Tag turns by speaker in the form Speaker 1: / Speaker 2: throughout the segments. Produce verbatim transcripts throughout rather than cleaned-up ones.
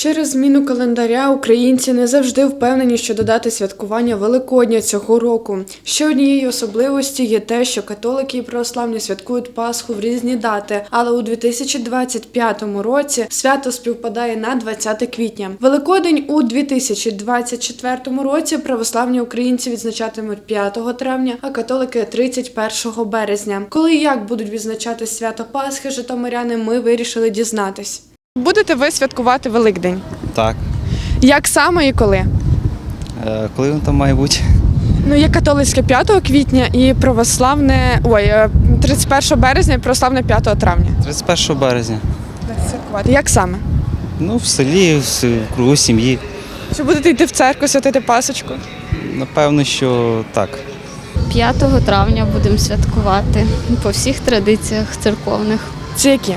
Speaker 1: Через зміну календаря українці не завжди впевнені щодо дати святкування Великодня цього року. Ще однією особливості є те, що католики і православні святкують Пасху в різні дати, але у дві тисячі двадцять п'ятому році свято співпадає на двадцяте квітня. Великодень у дві тисячі двадцять четвертому році православні українці відзначатимуть п'ятого травня, а католики – тридцять першого березня. Коли і як будуть відзначати свято Пасхи житомиряни, ми вирішили дізнатись. Будете ви святкувати Великдень?
Speaker 2: Так.
Speaker 1: Як саме і коли?
Speaker 2: Е, коли він там має бути?
Speaker 1: Ну, є католицьке п'ятого квітня і православне, ой, тридцять першого березня і православне п'ятого травня.
Speaker 2: тридцять першого березня.
Speaker 1: Будете святкувати. Як саме?
Speaker 2: Ну, в селі, в кругу сім'ї.
Speaker 1: Чи будете йти в церкву, святити Пасочку?
Speaker 2: Напевно, що так.
Speaker 3: п'ятого травня будемо святкувати по всіх традиціях церковних.
Speaker 1: Це які?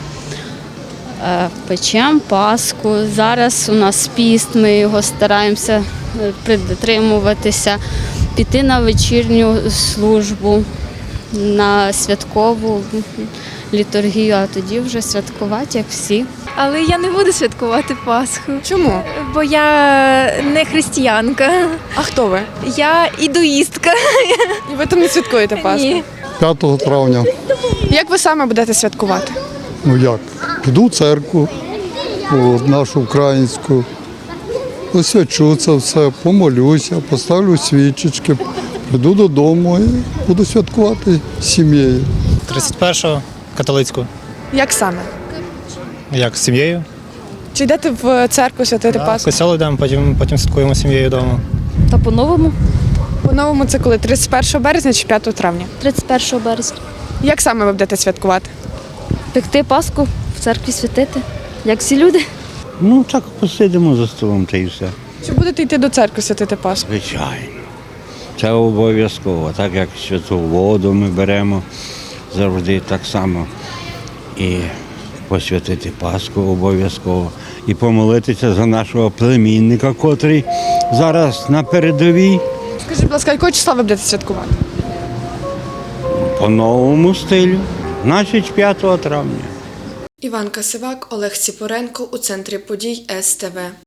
Speaker 3: Е, Печемо Пасху. Зараз у нас піст, ми його стараємося притримуватися, піти на вечірню службу, на святкову літургію, а тоді вже святкувати, як всі.
Speaker 4: Але я не буду святкувати Пасху,
Speaker 1: Чому?
Speaker 4: бо я не християнка,
Speaker 1: А хто ви?
Speaker 4: я ідуїстка.
Speaker 1: І ви там не святкуєте Пасху?
Speaker 4: Ні.
Speaker 5: п'ятого травня.
Speaker 1: Як ви саме будете святкувати?
Speaker 5: Ну як? Піду в церкву, от, нашу українську, освячу це все, помолюся, поставлю свічечки, прийду додому і буду святкувати з сім'єю.
Speaker 6: тридцять першого католицьку.
Speaker 1: Як саме?
Speaker 6: Як з сім'єю?
Speaker 1: Чи йдете в церкву святити
Speaker 6: Да, в
Speaker 1: Пасху?
Speaker 6: костьол йдемо, потім, потім святкуємо з сім'єю вдома.
Speaker 3: Та по-новому
Speaker 1: По-новому це коли? тридцять першого березня чи п'ятого травня?
Speaker 3: тридцять першого березня.
Speaker 1: Як саме ви будете святкувати?
Speaker 3: Пекти Пасху, в церкві святити, як всі люди.
Speaker 7: Ну так посидимо за столом та й все.
Speaker 1: Чи будете йти до церкви святити Пасху?
Speaker 7: Звичайно. Це обов'язково. Так як святу воду ми беремо завжди так само. І посвятити Пасху обов'язково. І помолитися за нашого племінника, котрий зараз на передовій.
Speaker 1: Скажіть, будь ласка, якого числа ви будете святкувати?
Speaker 7: По новому стилю, значить п'ятого травня.
Speaker 1: Іван Касивак, Олег Ціпоренко у центрі подій ес те ве.